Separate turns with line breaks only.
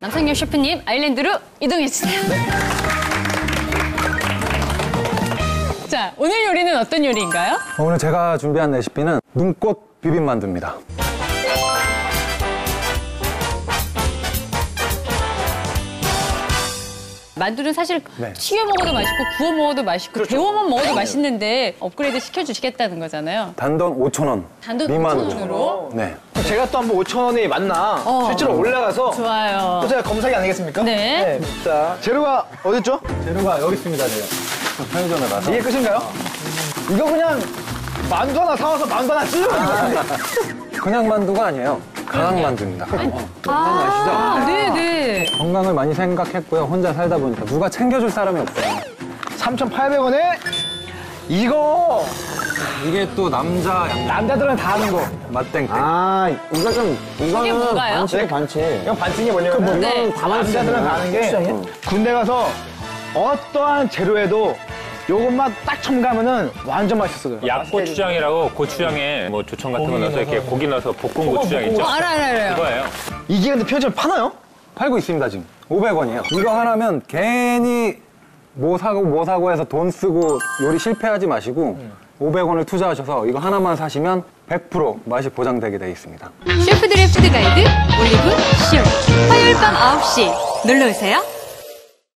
남상엽 셰프님, 아일랜드로 이동해주세요. 자, 오늘 요리는 어떤 요리인가요?
오늘 제가 준비한 레시피는 눈꽃 비빔만두입니다.
만두는 사실 튀겨 먹어도 맛있고 구워 먹어도 맛있고 데워만 먹어도 맛있는데 업그레이드 시켜주시겠다는 거잖아요.
단돈 5,000원.
단돈
미만으로.
5,000원으로?
네.
제가 또 한번 5,000원이 맞나 실제로 올라가서
좋아요.
또 제가 검사기 아니겠습니까?
네.
자, 재료가 어딨죠?
재료가 여기 있습니다, 제가. 편의점에 가서.
이게 끝인가요? 이거 그냥 만두 하나 사와서 만두 하나 찌르는 거예요.
그냥 만두가 아니에요. 강황만두입니다.
아, 네네.
건강을 많이 생각했고요. 혼자 살다 보니까 누가 챙겨줄 사람이 없어요.
3,800원에 이거
이게 또
남자들은 다 하는 거.
맛땡땡.
이게 뭔가요?
반칙, 반칙.
이건 반칙이 뭐냐면
네.
남자들은 다 하는 게 군대 가서 어떠한 재료에도 요것만 딱 첨가하면은 완전 맛있어요.
약고추장이라고 고추장에 뭐 조청 같은 거 넣어서 이렇게 고기 넣어서 볶은 고추장 있죠?
알아요.
그거예요.
이게 근데 편의점에 파나요?
팔고 있습니다, 지금. 500원이에요. 이거 하나면 괜히 뭐 사고 해서 돈 쓰고 요리 실패하지 마시고 500원을 투자하셔서 이거 하나만 사시면 100% 맛이 보장되게 되어 있습니다.
셰프들의 푸드 가이드 올리브 쇼 화요일 밤 9시 놀러오세요.